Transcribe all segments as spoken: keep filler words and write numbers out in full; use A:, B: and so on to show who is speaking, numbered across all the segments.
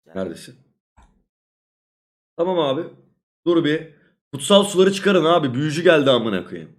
A: Neredesin? Tamam abi. Dur bir. Kutsal suları çıkarın abi. Büyücü geldi amına koyayım.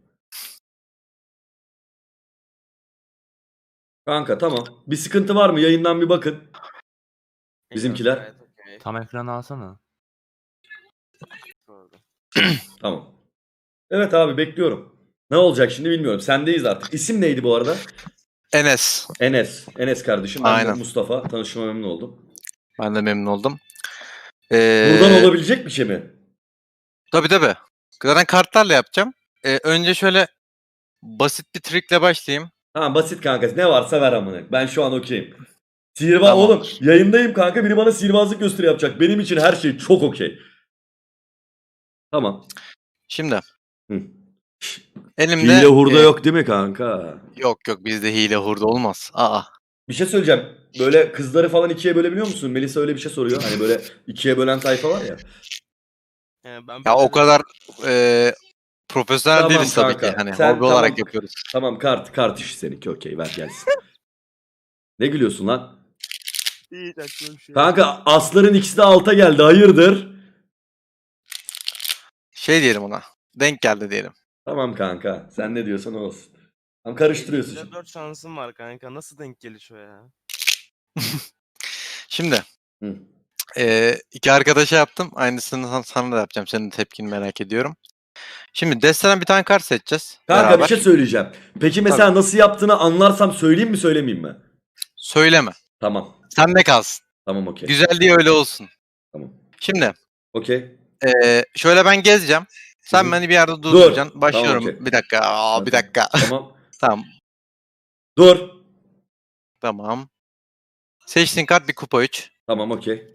A: Kanka tamam. Bir sıkıntı var mı? Yayından bir bakın. Bizimkiler.
B: Gayet okey.
C: Tam ekranı alsana.
B: Doğru.
A: Tamam. Evet abi bekliyorum. Ne olacak şimdi bilmiyorum. Sendeyiz artık. İsim neydi bu arada?
D: Enes.
A: Enes. Enes kardeşim. Ben de
D: Aynen.
A: Mustafa. Tanışma memnun oldum.
D: Ben de memnun oldum. Ee,
A: Buradan olabilecek bir şey mi?
D: Tabii tabii. Zaten kartlarla yapacağım. Ee, önce şöyle basit bir trickle başlayayım.
A: Ha basit kanka. Ne varsa ver amına. Ben şu an okeyim. Sihirbaz
D: Tamam.
A: oğlum yayındayım kanka. Biri bana sihirbazlık gösteri yapacak. Benim için her şey çok okey. Tamam.
D: Şimdi.
A: Hı.
D: Elimde...
A: Hile hurda
D: e,
A: yok değil mi kanka?
D: Yok yok bizde hile hurda olmaz. Aa.
A: Bir şey söyleyeceğim. Böyle kızları falan ikiye bölebiliyor musun? Melisa öyle bir şey soruyor. Hani böyle ikiye bölen tayfa var ya.
B: Ee, ben
D: Ya o
B: böyle-
D: kadar e, profesyonel
A: Tamam
D: değiliz tabii
A: kanka.
D: ki. Hani
A: Sen
D: hobi olarak
A: tamam.
D: yapıyoruz.
A: Tamam kart kart işi seninki okey ver gelsin. Ne gülüyorsun lan?
B: Hiç aklıma bir şey yok.
A: Kanka asların ikisi de alta geldi. Hayırdır?
D: Şey diyelim ona. Denk geldi diyelim.
A: Tamam kanka. Sen ne diyorsan o olsun. Tam karıştırıyorsun
B: Elimde
A: şimdi.
B: dört şansım var kanka. Nasıl denk gelişiyor ya?
D: Şimdi.
A: Hı.
D: E, iki arkadaşa yaptım. Aynısını sana- sana da yapacağım. Senin de tepkini merak ediyorum. Şimdi desteden bir tane kart seçeceğiz.
A: Kanka
D: beraber.
A: bir şey söyleyeceğim. Peki mesela nasıl yaptığını anlarsam söyleyeyim mi söylemeyeyim mi?
D: Söyleme.
A: Tamam.
D: Sende kalsın.
A: Tamam okey.
D: Güzelliği öyle olsun.
A: Tamam.
D: Şimdi
A: Okey.
D: eee, şöyle ben gezeceğim. Sen
A: Hı hı.
D: beni bir yerde durduracaksın. Başlıyorum.
A: Tamam, okey.
D: Bir dakika. Aa, bir dakika.
A: Tamam.
D: Tamam.
A: Dur.
D: Tamam. Seçtiğin kart bir kupa üç.
A: Tamam okey.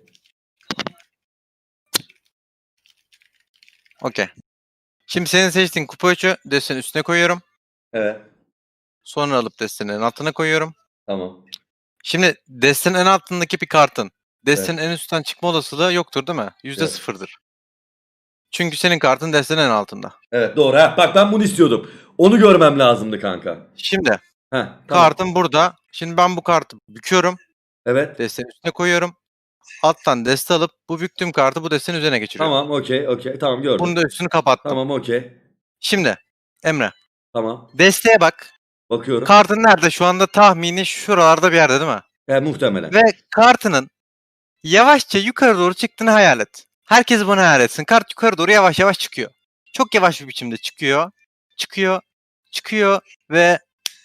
D: Okey. Şimdi senin seçtiğin kupa üçü destenin üstüne koyuyorum.
A: Evet.
D: Sonra alıp destenin en altına koyuyorum.
A: Tamam.
D: Şimdi destenin en altındaki bir kartın destenin en üstten çıkma olasılığı yoktur değil mi? Yüzde
A: Evet.
D: sıfırdır. Çünkü senin kartın destenin en altında.
A: Evet doğru. Ha, bak ben bunu istiyordum. Onu görmem lazımdı kanka.
D: Şimdi
A: Heh, tamam.
D: kartın burada. Şimdi ben bu kartı büküyorum.
A: Evet.
D: Destenin üstüne koyuyorum. Alttan deste alıp bu büktüğüm kartı bu destenin üzerine geçiriyorum.
A: Tamam okey okey. Tamam gördüm.
D: Bunun da üstünü kapattım.
A: Tamam okey.
D: Şimdi Emre
A: Tamam.
D: desteğe bak.
A: Bakıyorum.
D: Kartın nerede? Şu anda tahmini şuralarda bir yerde değil mi?
A: He, muhtemelen.
D: Ve kartının yavaşça yukarı doğru çıktığını hayal et. Herkes bunu hayal etsin. Kart yukarı doğru yavaş yavaş çıkıyor. Çok yavaş bir biçimde çıkıyor. Çıkıyor. Çıkıyor ve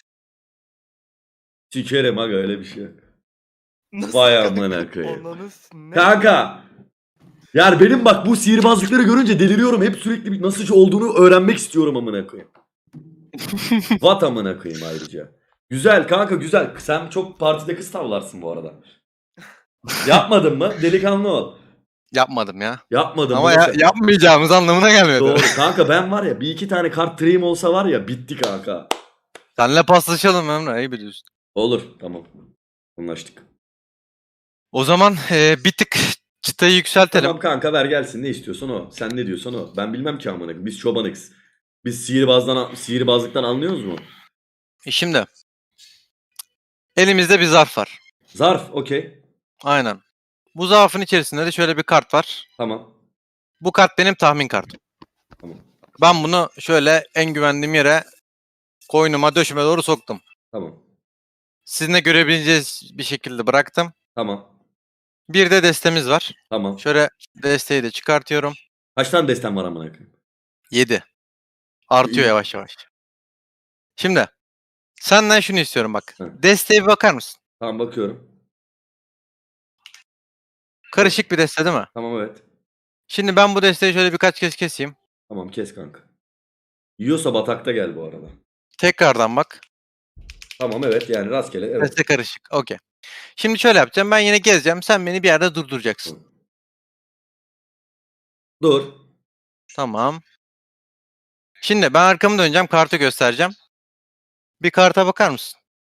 A: Sikerim aga öyle bir şey yok.
B: Nasıl
A: Vay
B: kanka?
A: amına koyayım.
B: Ananız ne?
A: Kanka. Yani benim bak bu sihirbazlıkları görünce deliriyorum. Hep sürekli bir nasıl olduğunu öğrenmek istiyorum amına koyayım. Vat amına koyayım ayrıca. Güzel kanka güzel. Sen çok partide kız tavlarsın bu arada. Yapmadın mı? Delikanlı ol.
D: yapmadım ya.
A: Yapmadım.
D: Ama
A: mı?
D: ya, yapmayacağımız anlamına gelmiyordu.
A: Doğru. Kanka ben var ya bir iki tane kart treyim olsa var ya bitti kanka.
D: Senle paslaşalım Emre. İyi biliyorsun.
A: Olur tamam. Anlaştık.
D: O zaman e, bir tık çıtayı yükseltelim.
A: Tamam kanka ver gelsin ne istiyorsan o. Sen ne diyorsan o. Ben bilmem ki amına koyayım. Biz çobanıks. Biz sihirbazdan, sihirbazlıktan anlıyoruz mu?
D: E Şimdi elimizde bir zarf var.
A: Zarf okey.
D: Aynen. Bu zarfın içerisinde de şöyle bir kart var.
A: Tamam.
D: Bu kart benim tahmin kartım.
A: Tamam.
D: Ben bunu şöyle en güvendiğim yere koynuma döşüme doğru soktum.
A: Tamam.
D: Sizin de görebileceğiniz bir şekilde bıraktım.
A: Tamam.
D: Bir de destemiz var.
A: Tamam.
D: Şöyle desteği de çıkartıyorum.
A: Kaç tane destem var amına koyayım?
D: yedi. Artıyor
A: İyi.
D: yavaş yavaş. Şimdi senden şunu istiyorum bak.
A: Hı.
D: Desteğe bir bakar mısın?
A: Tamam bakıyorum.
D: Karışık bir deste değil mi?
A: Tamam evet.
D: Şimdi ben bu desteği şöyle birkaç kez keseyim.
A: Tamam kes kanka. Yiyorsa batakta gel bu arada.
D: Tekrardan bak.
A: Tamam evet yani rastgele evet.
D: Deste karışık. Okey. Şimdi şöyle yapacağım. Ben yine gezeceğim. Sen beni bir yerde durduracaksın.
A: Dur.
D: Tamam. Şimdi ben arkamı döneceğim. Kartı göstereceğim. Bir karta bakar mısın?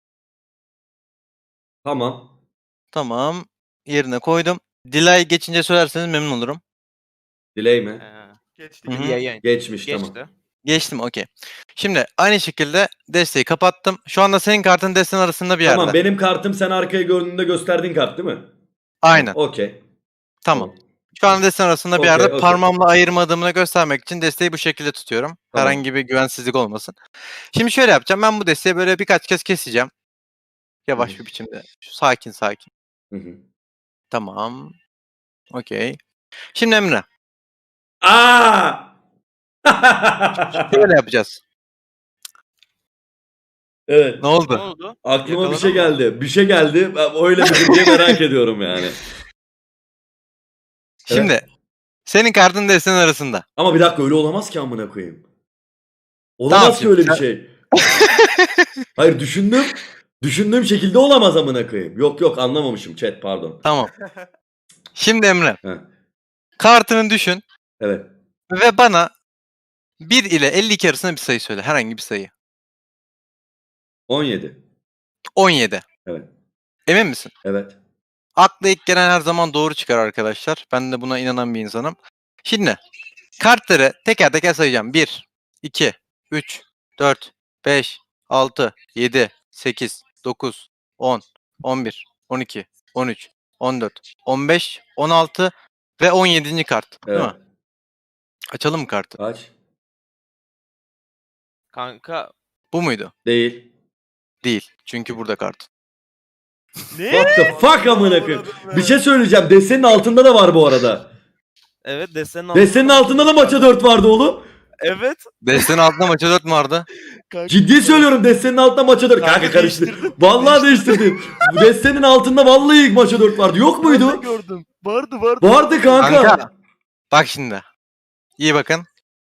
A: Tamam.
D: Tamam. Yerine koydum. Delay geçince söylerseniz memnun olurum.
A: Delay mi?
B: Ee, geçti
D: Hı hı.
B: gibi yayın.
A: Geçmiş
B: Geçti.
A: tamam.
D: Geçtim okey. Şimdi aynı şekilde desteği kapattım. Şu anda senin kartın desteğin arasında bir yerde.
A: Tamam benim kartım sen arkaya gördüğünde gösterdiğin kart değil mi?
D: Aynen.
A: Okey.
D: Tamam. Şu an desteğin arasında bir
A: Okey,
D: yerde
A: okey.
D: parmağımla ayırmadığımı göstermek için desteği bu şekilde tutuyorum.
A: Tamam.
D: Herhangi bir güvensizlik olmasın. Şimdi şöyle yapacağım. Ben bu desteği böyle birkaç kez keseceğim. Yavaş
A: Hı.
D: bir biçimde. Şu sakin sakin.
A: Hı hı.
D: Tamam. Okey. Şimdi Emre.
A: Aa!
D: Şöyle yapacağız.
A: Evet.
D: Ne
B: Ne
D: oldu?
B: oldu?
A: Aklıma bir
B: Yakaladın
A: şey
B: mı?
A: geldi. Bir şey geldi. Ben öyle mi diye merak ediyorum yani.
D: Şimdi senin kartın desteğin arasında.
A: Ama bir dakika öyle olamaz ki amına koyayım.
D: Tamam
A: Olamaz ki
D: şimdi
A: öyle bir
D: sen-
A: şey. Hayır düşündüm. Düşündüğüm şekilde olamaz amına koyayım. Yok yok anlamamışım chat pardon.
D: Tamam. Şimdi Emre.
A: Heh,
D: Kartını düşün
A: evet.
D: ve bana bir ile elli iki arasında bir sayı söyle. Herhangi bir sayı.
A: on yedi.
D: on yedi.
A: Evet.
D: Emin misin?
A: Evet.
D: Akla ilk gelen her zaman doğru çıkar arkadaşlar. Ben de buna inanan bir insanım. Şimdi kartları teker teker sayacağım. bir, iki, üç, dört, beş, altı, yedi, sekiz, dokuz, on, on bir, on iki, on üç, on dört, on beş, on altı ve on yedinci kart. Değil
A: Evet.
D: mi? Açalım mı kartı?
A: Kaç?
B: Kanka.
D: Bu muydu?
A: Değil.
D: Değil. Çünkü burada kart.
B: Ne?
A: What the fuck amına koyayım.
B: Avradım
A: Bir
B: be.
A: şey söyleyeceğim. Destenin altında da var bu arada.
B: Evet destenin altında.
A: Destenin altında da maça dört vardı oğlum.
B: Evet.
D: Destenin altında maça dört mü vardı?
B: Kanka.
A: Ciddi söylüyorum destenin altında maça dört. Kanka,
B: Kanka
A: karıştı.
B: değiştirdin.
A: Vallahi değiştirdim. Destenin altında vallahi maça dört vardı. Yok
B: Ben de
A: muydu?
B: gördüm. Vardı vardı.
A: Vardı kanka.
D: Kanka. Bak şimdi. İyi bakın.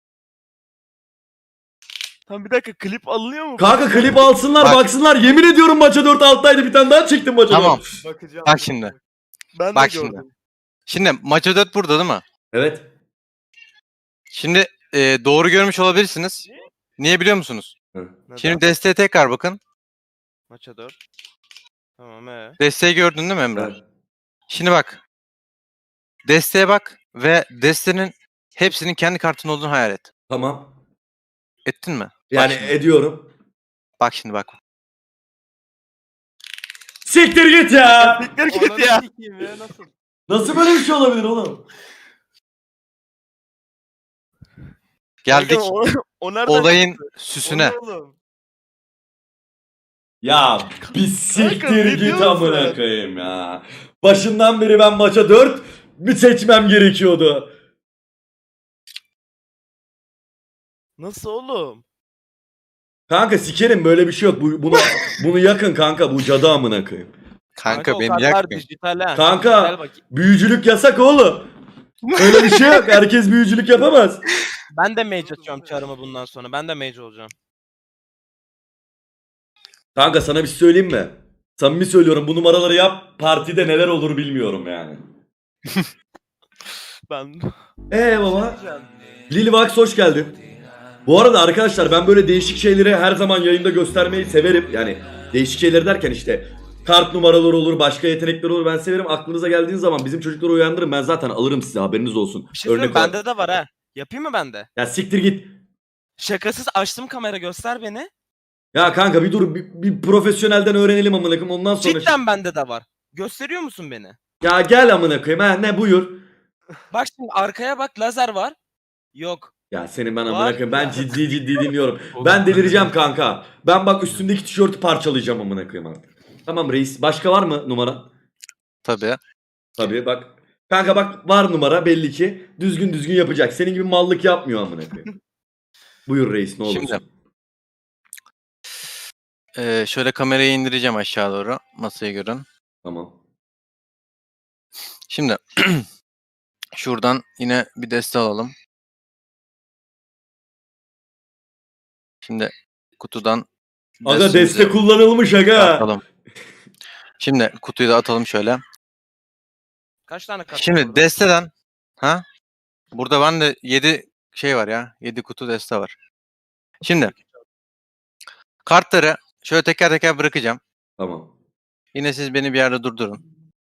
B: Tam bir dakika klip alınıyor mu?
A: Kanka klip alsınlar
D: Bak.
A: baksınlar. Yemin ediyorum maça dört alttaydı. Bir tane daha çektim maça
D: Tamam.
A: dört.
B: Bakacağım.
D: Bak şimdi.
B: Ben
D: Bak
B: de
D: şimdi.
B: gördüm.
D: Şimdi maça dört burada değil mi?
A: Evet.
D: Şimdi e, doğru görmüş olabilirsiniz. Niye biliyor musunuz?
B: Neden?
D: Şimdi desteğe tekrar bakın.
B: Maça dört. Tamam ee.
D: Desteği gördün değil mi Emre?
A: Evet.
D: Şimdi bak. Desteğe bak ve destenin hepsinin kendi kartın olduğunu hayal et.
A: Tamam.
D: Ettin mi?
A: Yani
D: bak şimdi.
A: ediyorum.
D: Bak şimdi bak.
A: Siktir git ya.
B: Siktir git ya.
C: Nasıl?
A: Nasıl böyle bir şey olabilir oğlum?
D: Geldik
B: Kanka, o, o nereden
D: olayın
B: çıktı?
D: süsüne.
B: O ne oğlum?
A: Ya bir
B: ne
A: siktir git
B: diyorsun
A: amına
B: sen?
A: koyayım ya. Başından beri ben maça dört bir seçmem gerekiyordu.
B: Nasıl oğlum?
A: Kanka sikerim böyle bir şey yok. Bu, bunu bunu yakın kanka bu cadı amına koyayım.
D: Kanka
B: o
D: beni
B: kartlar
D: yakmayın.
B: dijital ha.
A: Kanka.
B: Dijital bak.
A: Büyücülük yasak oğlum. Öyle bir şey yok. Herkes büyücülük yapamaz.
B: Ben de mage açıyorum çarımı bundan sonra. Ben de mage olacağım.
A: Kanka sana bir şey söyleyeyim mi? Samimi söylüyorum bu numaraları yap. Partide neler olur bilmiyorum yani.
B: Ben
A: Eee baba. Lilivax hoş geldin. Bu arada arkadaşlar ben böyle değişik şeyleri her zaman yayında göstermeyi severim. Yani değişik şeyler derken işte kart numaraları olur, başka yetenekler olur. Ben severim. Aklınıza geldiğiniz zaman bizim çocukları uyandırın. Ben zaten alırım size haberiniz olsun.
B: bir şey söyleyeyim mi?
A: olarak.
B: Bende de var ha. Yapayım mı bende?
A: Ya siktir git.
B: Şakasız açtım kamera göster beni.
A: Ya kanka bir dur bir, bir profesyonelden öğrenelim amına koyayım ondan sonra.
B: Cidden bende de var. Gösteriyor musun beni?
A: Ya gel amına koyayım ha ne buyur.
B: Bak şimdi arkaya bak lazer var. Yok.
A: Ya senin ben amına
B: Var.
A: koyayım ben ciddi ciddi dinliyorum. Ben delireceğim kanka. Ben bak üstümdeki tişörtü parçalayacağım amına koyayım artık. Tamam reis. Başka var mı numara?
D: Tabii.
A: Tabii bak. Kanka bak var numara belli ki. Düzgün düzgün yapacak. Senin gibi mallık yapmıyor amına koyayım. Buyur reis ne olursun.
D: Şimdi. Ee, şöyle kamerayı indireceğim aşağı doğru. Masayı görün.
A: Tamam.
D: Şimdi şuradan yine bir deste alalım. Şimdi kutudan
A: Aga
D: destemizi
A: deste kullanılmış aga.
D: atalım. Şimdi kutuyu da atalım şöyle.
B: Kaç tane kart var
D: Şimdi
B: orada?
D: desteden ha? Burada bende yedi şey var ya. yedi kutu deste var. Şimdi kartları şöyle teker teker bırakacağım.
A: Tamam.
D: Yine siz beni bir yerde durdurun.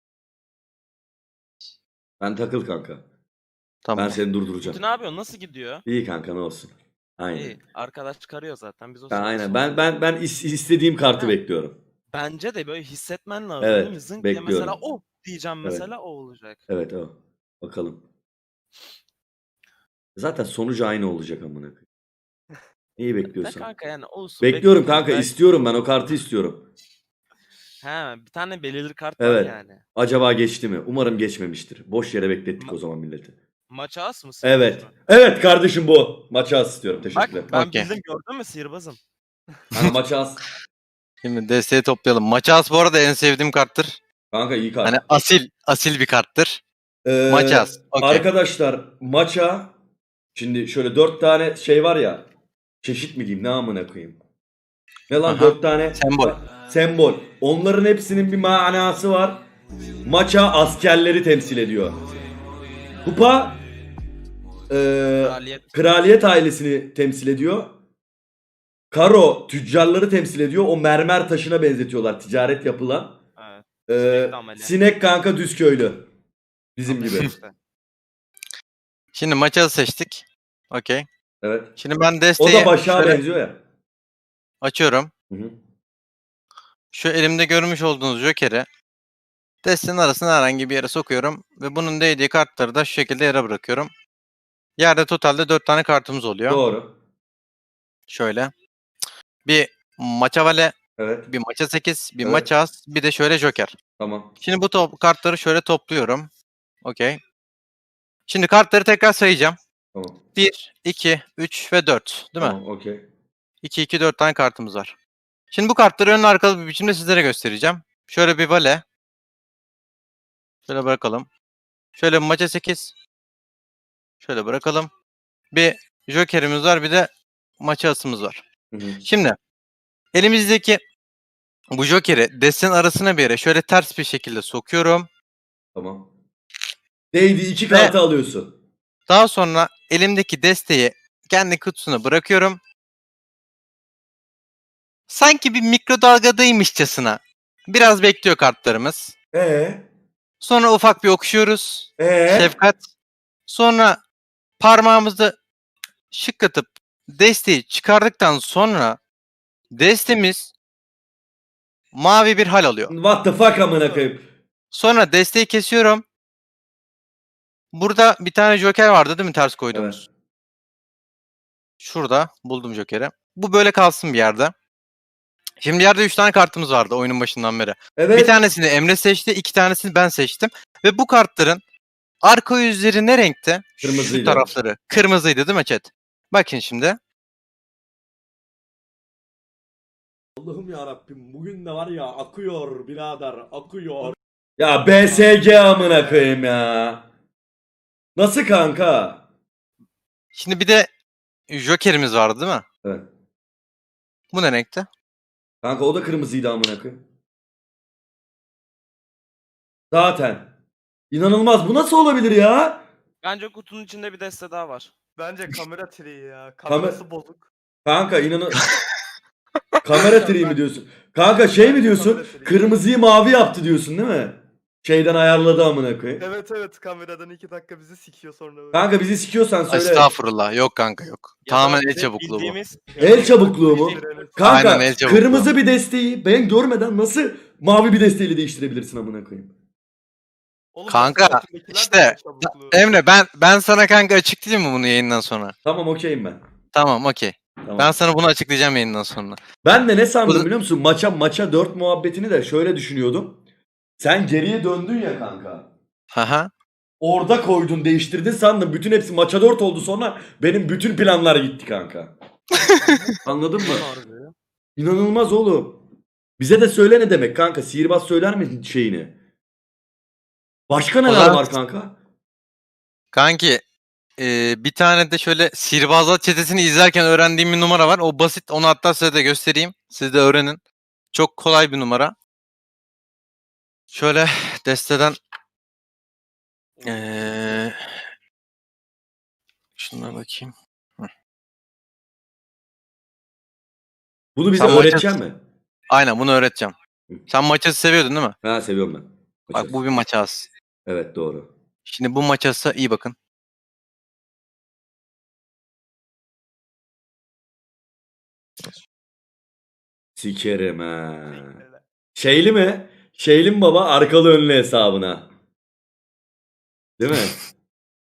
A: Ben takıl kanka.
D: Tamam.
A: Ben seni
B: Kutu
A: durduracağım.
B: ne yapıyorsun? Nasıl gidiyor?
A: İyi kanka ne olsun. Aynen.
B: İyi. Arkadaş çıkarıyor zaten. Biz o
A: Ha,
B: sırada
A: aynen.
B: sonra-
A: Ben ben ben is- istediğim kartı
B: Ha.
A: bekliyorum.
B: Bence de böyle hissetmen lazım
A: Evet,
B: değil mi? Zınk diye
A: bekliyorum.
B: mesela o diyeceğim
A: Evet.
B: mesela o olacak.
A: Evet o. Bakalım. Zaten sonucu aynı olacak amına koyayım. Neyi
B: Da
A: bekliyorsan.
B: kanka yani olsun.
A: Bekliyorum
B: bekliyoruz.
A: kanka,
B: Belki-
A: istiyorum ben o kartı istiyorum.
B: He, bir tane belirli kart var
A: Evet.
B: yani.
A: Acaba geçti mi? Umarım geçmemiştir. Boş yere beklettik
B: Ma-
A: o zaman milleti.
B: Maça as mı?
A: Evet.
B: sihirbaz mı?
A: Evet kardeşim bu. Maça as istiyorum.
B: Bak
A: Teşekkürler.
B: ben
D: Okey.
B: bildim gördün mü sihirbazım.
A: Kanka maça as.
D: Şimdi desteği toplayalım. Maçaz bu arada en sevdiğim karttır.
A: Kanka iyi kart.
D: Hani asil asil bir karttır.
A: Ee,
D: Maçaz. Okey.
A: Arkadaşlar maça şimdi şöyle dört tane şey var ya, çeşit mi diyeyim ne amına koyayım. Ne lan
D: Aha.
A: dört tane
D: Sembol.
A: sembol. Onların hepsinin bir manası var. Maça askerleri temsil ediyor. Kupa e,
B: Kraliyet.
A: kraliyet ailesini temsil ediyor. Karo tüccarları temsil ediyor. O mermer taşına benzetiyorlar ticaret yapılan.
B: Evet.
A: Ee,
B: Sinek de amele.
A: sinek kanka düz köylü. Bizim
B: Amele
A: gibi.
B: işte.
D: Şimdi maçazı seçtik. Okey.
A: Evet.
D: Şimdi ben
A: O
D: desteği
A: da başa
D: şöyle
A: benziyor ya.
D: açıyorum.
A: Hı hı.
D: Şu elimde görmüş olduğunuz Joker'i desteğin arasına herhangi bir yere sokuyorum. Ve bunun değdiği kartları da şu şekilde yere bırakıyorum. Yerde totalde dört tane kartımız oluyor.
A: Doğru.
D: Şöyle. Bir maça vale,
A: Evet.
D: bir maça sekiz, bir
A: Evet.
D: maça as, bir de şöyle Joker.
A: Tamam.
D: Şimdi bu top, kartları şöyle topluyorum. Okey. Şimdi kartları tekrar sayacağım.
A: Tamam.
D: bir, iki, üç ve dört. Değil mi?
A: Tamam. Okey.
D: iki, iki, dört tane kartımız var. Şimdi bu kartları önlü arkalı bir biçimde sizlere göstereceğim. Şöyle bir vale. Şöyle bırakalım. Şöyle bir maça sekiz. Şöyle bırakalım. Bir Joker'imiz var, bir de maça asımız var.
A: Hı hı.
D: Şimdi elimizdeki bu Joker'i destenin arasına bir yere şöyle ters bir şekilde sokuyorum.
A: Tamam. Değdi iki
D: Ve-
A: kartı alıyorsun.
D: Daha sonra elimdeki desteği kendi kutusuna bırakıyorum. Sanki bir mikrodalgadaymışçasına biraz bekliyor kartlarımız.
A: Ee?
D: Sonra ufak bir okşuyoruz.
A: Ee?
D: Şefkat. Sonra parmağımızda şıklatıp desteği çıkardıktan sonra destemiz mavi bir hal alıyor.
A: What the fuck amına koyayım.
D: Sonra desteği kesiyorum. Burada bir tane Joker vardı değil mi ters koyduğumuz?
A: Evet.
D: Şurada buldum Joker'i. Bu böyle kalsın bir yerde. Şimdi yerde üç tane kartımız vardı oyunun başından beri.
A: Evet.
D: Bir tanesini Emre seçti, iki tanesini ben seçtim. Ve bu kartların arka yüzleri ne renkte?
A: Kırmızıydı.
D: Şu tarafları. Kırmızıydı değil mi chat? Bakın şimdi.
A: Allah'ım ya Rabbim bugün de var ya akıyor birader akıyor. Ya B S G amına koyayım ya. Nasıl kanka?
D: Şimdi bir de Joker'imiz vardı değil mi?
A: Evet.
D: Bu ne renkte?
A: Kanka o da kırmızıydı amına koyayım. Zaten. İnanılmaz bu nasıl olabilir ya?
B: Bence kutunun içinde bir deste daha var.
C: Bence kamera triği ya.
A: Kamer-
C: Kamerası bozuk.
A: Kanka inanın. Kamera triği mi diyorsun? Kanka şey mi
C: Bence
A: diyorsun?
C: kamera triği.
A: Kırmızıyı mavi yaptı diyorsun değil mi? Şeyden ayarladı amına koyayım.
C: Evet evet kameradan iki dakika bizi sikiyor sonra. böyle.
A: Kanka bizi sikiyorsan söyle.
D: Estağfurullah. Yok kanka yok.
B: Ya da
D: Tamamen el
B: bizim
D: çabukluğu bu.
B: bildiğimiz-
A: El çabukluğu mu?
C: Evet.
A: Kanka
D: Aynen, el çabukluğu.
A: kırmızı bir desteği ben görmeden nasıl mavi bir desteğiyle değiştirebilirsin amına koyayım?
C: Oğlum,
D: Kanka,
C: basın altındakiler de
D: işte,
C: el çabukluğu.
D: Emre ben ben sana kanka açıklayayım mı bunu yayından sonra?
A: Tamam okeyim ben.
D: Tamam okey.
A: Tamam.
D: Ben sana bunu açıklayacağım yayından sonra.
A: Ben de ne sandım
D: Bu-
A: biliyor musun? Maça maça dört muhabbetini de şöyle düşünüyordum. Sen geriye döndün ya kanka.
D: Haha.
A: Orada koydun değiştirdin sandım. Bütün hepsi maça dört oldu sonra benim bütün planlar gitti kanka. Anladın mı?
B: Harbi.
A: İnanılmaz oğlum. Bize de söyle ne demek kanka. Sihirbaz söyler mi şeyini? Başka neler
D: zaman-
A: var kanka?
D: Kanki e, bir tane de şöyle sihirbazlar çetesini izlerken öğrendiğim bir numara var. O basit. Onu hatta size de göstereyim. Siz de öğrenin. Çok kolay bir numara. Şöyle desteden eee şuna bakayım.
A: Bunu bize
D: Sen maça-
A: öğretecek mi?
D: Aynen bunu öğreteceğim.
A: Hı.
D: Sen maçası seviyordun değil mi?
A: Ha seviyorum ben.
D: Bak
A: Maça.
D: bu bir maçası.
A: Evet doğru.
D: Şimdi bu maçası iyi bakın.
A: Sikerim ha. Şeyli mi? Şeyli mi baba? Arkalı önlü hesabına. Değil mi?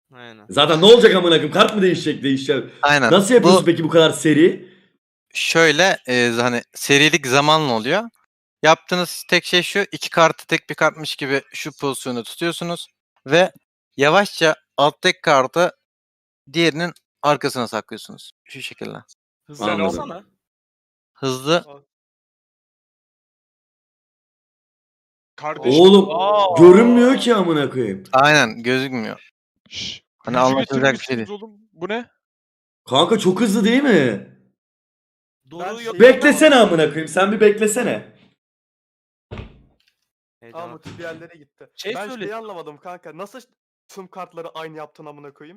B: Aynen.
A: Zaten ne olacak amına koyayım? Kart mı değişecek değişecek?
D: Aynen.
A: Nasıl yapıyorsun
D: Bu
A: peki bu kadar seri?
D: şöyle e, hani serilik zamanla oluyor. Yaptığınız tek şey şu. iki kartı tek bir kartmış gibi şu pozisyonu tutuyorsunuz. Ve yavaşça alttaki kartı diğerinin arkasına saklıyorsunuz. Şu şekilde.
B: Hızlı
A: Anladım.
B: alsana.
D: Hızlı.
E: Kardeşim.
A: Oğlum
C: Aa.
A: görünmüyor ki amına koyayım.
D: Aynen gözükmüyor.
E: Şşş.
D: Hani
E: Büyücü
D: anlatılacak bir şey
E: getirmişsiniz oğlum. Bu ne?
A: Kanka çok hızlı değil mi?
B: Doğru
C: Ben
B: yok.
C: şey-
A: Beklesene amına koyayım. Sen bir beklesene.
B: Heyecan.
C: Aa Mutlu bir yerlere gitti.
B: Şey
C: ben
B: söyle-
C: şeyi anlamadım kanka. Nasıl tüm kartları aynı yaptın amına koyayım?